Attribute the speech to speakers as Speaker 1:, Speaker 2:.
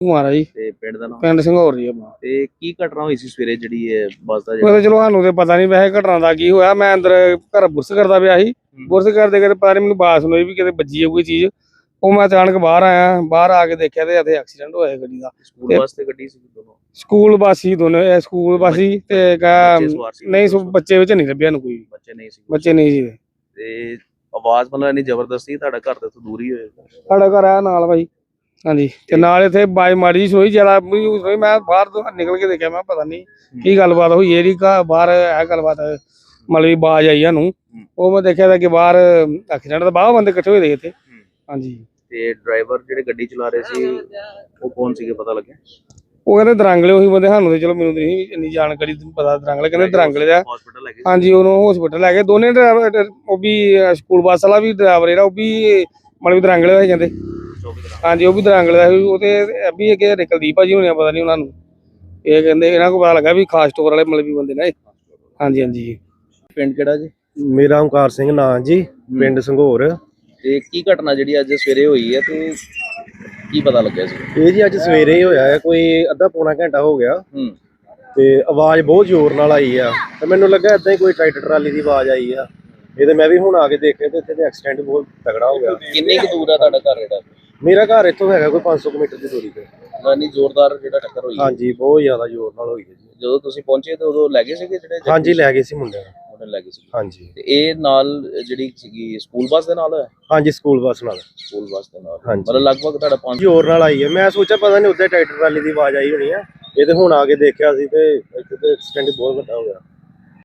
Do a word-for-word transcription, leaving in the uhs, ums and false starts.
Speaker 1: ਕੁਮਾਰ ਜੀ
Speaker 2: ਤੇ ਪਿੰਡ ਦਾ ਨਾਮ
Speaker 1: ਪਿੰਡ ਸਿੰਘੌਰ ਜੀ ਆਪਣਾ।
Speaker 2: ਤੇ ਕੀ ਘਟਨਾ ਹੋਈ ਸੀ ਸਵੇਰੇ ਜਿਹੜੀ ਇਹ ਬੱਸ ਦਾ
Speaker 1: ਉਹ ਤਾਂ ਚਲੋ ਸਾਨੂੰ ਤੇ ਪਤਾ ਨਹੀਂ ਵੈਸੇ ਘਟਨਾ ਦਾ ਕੀ ਹੋਇਆ। ਮੈਂ ਅੰਦਰ ਘਰ ਬੁਰਸ ਕਰਦਾ ਪਿਆ ਸੀ। ਬੁਰਸ ਕਰਦੇ ਕਰਦੇ ਪਤਾ ਨਹੀਂ ਮੈਨੂੰ ਬਾਸ ਹੋਈ ਵੀ ਕਿਤੇ ਵੱਜੀ ਹੈ ਕੋਈ ਚੀਜ਼। ਉਹ ਮੈਂ ਅਚਾਨਕ ਬਾਹਰ ਆਇਆ, ਬਾਹਰ ਆ ਕੇ ਦੇਖਿਆ ਤੇ ਇੱਥੇ ਐਕਸੀਡੈਂਟ ਹੋਇਆ ਗੱਡੀ ਦਾ।
Speaker 2: ਸਕੂਲ ਬੱਸ ਤੇ ਗੱਡੀ ਸੀ ਦੋਨੋਂ?
Speaker 1: ਸਕੂਲ ਬੱਸ ਸੀ ਦੋਨੋਂ, ਇਹ ਸਕੂਲ ਬੱਸ ਸੀ ਤੇ ਨਹੀਂ ਬੱਚੇ ਵਿੱਚ ਨਹੀਂ ਲੱਭਿਆ ਨੂੰ ਕੋਈ,
Speaker 2: ਬੱਚੇ ਨਹੀਂ ਸੀ
Speaker 1: ਬੱਚੇ ਨਹੀਂ ਸੀ।
Speaker 2: ਤੇ ਆਵਾਜ਼ ਮਤਲਬ ਇੰਨੀ ਜ਼ਬਰਦਸਤ ਸੀ, ਤੁਹਾਡਾ ਘਰ ਤੋਂ ਦੂਰ ਹੀ ਹੋਏਗਾ?
Speaker 1: ਸਾਡਾ ਘਰ ਆ ਨਾਲ ਭਾਈ। ਹਾਂਜੀ ਤੇ ਨਾਲ ਇੱਥੇ ਬਾਜ ਮਾੜੀ ਜਿਹੀ ਸੁਣੀ, ਜ਼ਿਆਦਾ ਹੋਈ। ਮੈਂ ਬਾਹਰ ਤੋਂ ਨਿਕਲ ਕੇ ਦੇਖਿਆ, ਮੈਂ ਪਤਾ ਨਹੀਂ ਕੀ ਗੱਲਬਾਤ ਹੋਈ ਇਹਦੀ। ਬਾਹਰ ਇਹ ਗੱਲਬਾਤ ਮਤਲਬ ਬਾਜ ਆਈ ਸਾਨੂੰ। ਉਹ ਮੈਂ ਦੇਖਿਆ ਤਾਂ ਕਿ ਬਾਹਰ ਐਕਸੀਡੈਂਟ ਤਾਂ ਬਾਹਰ ਬੰਦੇ ਇਕੱਠੇ ਹੋਏ ਦੇ ਇੱਥੇ। ਹਾਂਜੀ
Speaker 2: ਤੇ ਡਰਾਈਵਰ ਜਿਹੜੇ ਗੱਡੀ ਚਲਾ ਰਹੇ ਸੀ ਉਹ ਕੌਣ ਸੀਗੇ, ਪਤਾ ਲੱਗਿਆ?
Speaker 1: ਉਹ ਕਹਿੰਦੇ ਦਰਾਂਗਲੇ ਉਹੀ ਬੰਦੇ। ਸਾਨੂੰ ਤੇ ਚਲੋ ਮੈਨੂੰ ਨਹੀਂ ਇੰਨੀ ਜਾਣਕਾਰੀ ਪਤਾ ਦਰਾਂਗਲੇ ਕਹਿੰਦੇ ਦਰਾਂਗਲੇ ਦਾ।
Speaker 2: ਹਸਪੀਟਲ ਲੈ ਗਏ?
Speaker 1: ਹਾਂਜੀ ਉਹਨੂੰ ਹਸਪੀਟਲ ਲੈ ਗਏ। ਦੋਨੇ ਡਰਾਈਵਰ, ਉਹ ਵੀ ਸਕੂਲ ਬੱਸ ਵਾਲਾ ਵੀ ਡਰਾਈਵਰ ਜਿਹੜਾ ਉਹ ਵੀ ਮਤਲਬ ਦਰਾਂਗਲੇ ਦਾ ਕਹਿੰਦੇ। ਹਾਂਜੀ ਉਹ ਵੀ ਦਰਾਂਗਲੇ ਦਾ ਸੀ। ਉਹ ਤੇ ਵੀ ਅੱਗੇ ਕੁਲਦੀਪ ਭਾਜੀ ਹੋਣੇ ਪਤਾ ਨਹੀਂ ਉਹਨਾਂ ਨੂੰ। ਇਹ ਕਹਿੰਦੇ ਇਹਨਾਂ ਕੋਲ ਪਤਾ ਲੱਗਾ ਵੀ ਖਾਸ ਸਟੋਰ ਵਾਲੇ ਮਤਲਬ ਵੀ ਬੰਦੇ ਨੇ। ਹਾਂਜੀ ਹਾਂਜੀ।
Speaker 2: ਪਿੰਡ ਕਿਹੜਾ ਜੀ?
Speaker 3: ਮੇਰਾ ਓਮਕਾਰ ਸਿੰਘ ਨਾਂ ਜੀ, ਪਿੰਡ ਸਿੰਘੌਰ।
Speaker 2: ਤੇ ਕੀ ਘਟਨਾ ਜਿਹੜੀ ਅੱਜ ਸਵੇਰੇ ਹੋਈ ਹੈ ਤੇ ਕੀ ਪਤਾ ਲੱਗਿਆ ਸੀ?
Speaker 3: ਇਹ ਜੀ ਅੱਜ ਸਵੇਰੇ ਹੀ ਹੋਇਆ ਹੈ, ਕੋਈ ਅੱਧਾ ਪੌਣਾ ਘੰਟਾ ਹੋ ਗਿਆ।
Speaker 2: ਹੂੰ
Speaker 3: ਤੇ ਆਵਾਜ਼ ਬਹੁਤ ਜ਼ੋਰ ਨਾਲ ਆਈ ਆ ਤੇ ਮੈਨੂੰ ਲੱਗਾ ਏਦਾਂ ਹੀ ਕੋਈ ਟਰੈਕਟਰ ਟਰਾਲੀ ਦੀ ਆਵਾਜ਼ ਆਈ ਆ। ਇਹ ਤੇ ਮੈਂ ਵੀ ਹੁਣ ਆ ਕੇ ਦੇਖਿਆ ਤੇ ਇੱਥੇ ਤੇ ਐਕਸੀਡੈਂਟ ਬਹੁਤ ਤਗੜਾ ਹੋ ਗਿਆ।
Speaker 2: ਕਿੰਨੀ ਕੁ ਦੂਰ ਆ ਤੁਹਾਡਾ ਘਰ ਜਿਹੜਾ?
Speaker 3: ਮੇਰਾ ਘਰ ਇੱਥੋਂ ਹੈਗਾ ਕੋਈ ਪੰਜ ਸੌ ਮੀਟਰ ਦੀ ਦੂਰੀ ਤੇ।
Speaker 2: ਇੰਨੀ ਜ਼ੋਰਦਾਰ ਜਿਹੜਾ ਟੱਕਰ ਹੋਈ?
Speaker 3: ਹਾਂਜੀ ਬਹੁਤ ਜ਼ਿਆਦਾ ਜ਼ੋਰ ਨਾਲ ਹੋਈ ਹੈ ਜੀ।
Speaker 2: ਜਦੋਂ ਤੁਸੀਂ ਪਹੁੰਚੇ ਤੇ ਉਦੋਂ ਲੈ ਗਏ ਸੀਗੇ ਜਿਹੜੇ?
Speaker 3: ਹਾਂਜੀ ਲੈ ਗਏ ਸੀ ਮੁੰਡਿਆਂ ਨੂੰ।
Speaker 2: ਉਹਨੇ ਲੈ ਗਏ ਸੀ।
Speaker 3: ਹਾਂਜੀ
Speaker 2: ਤੇ ਇਹ ਨਾਲ ਜਿਹੜੀ ਸੀਗੀ ਸਕੂਲ ਬੱਸ ਦੇ ਨਾਲ?
Speaker 3: ਹਾਂਜੀ ਸਕੂਲ ਬੱਸ ਨਾਲ।
Speaker 2: ਸਕੂਲ ਬੱਸ ਦੇ ਨਾਲ
Speaker 3: ਹਾਂਜੀ।
Speaker 2: ਮਤਲਬ ਲਗਭਗ ਤੁਹਾਡਾ ਪੰਜ
Speaker 3: ਜ਼ੋਰ ਨਾਲ ਆਈ ਹੈ। ਮੈਂ ਸੋਚਿਆ ਪਤਾ ਨਹੀਂ ਉੱਧਰ ਟਰੈਕਟਰ ਟਰਾਲੀ ਦੀ ਆਵਾਜ਼ ਆਈ ਹੋਣੀ ਆ। ਇਹ ਤੇ ਹੁਣ ਆ ਕੇ ਦੇਖਿਆ ਸੀ ਤੇ ਇੱਥੇ ਤੇ ਐਕਸੀਡੈਂਟ ਬਹੁਤ ਵੱਡਾ ਹੋ ਗਿਆ।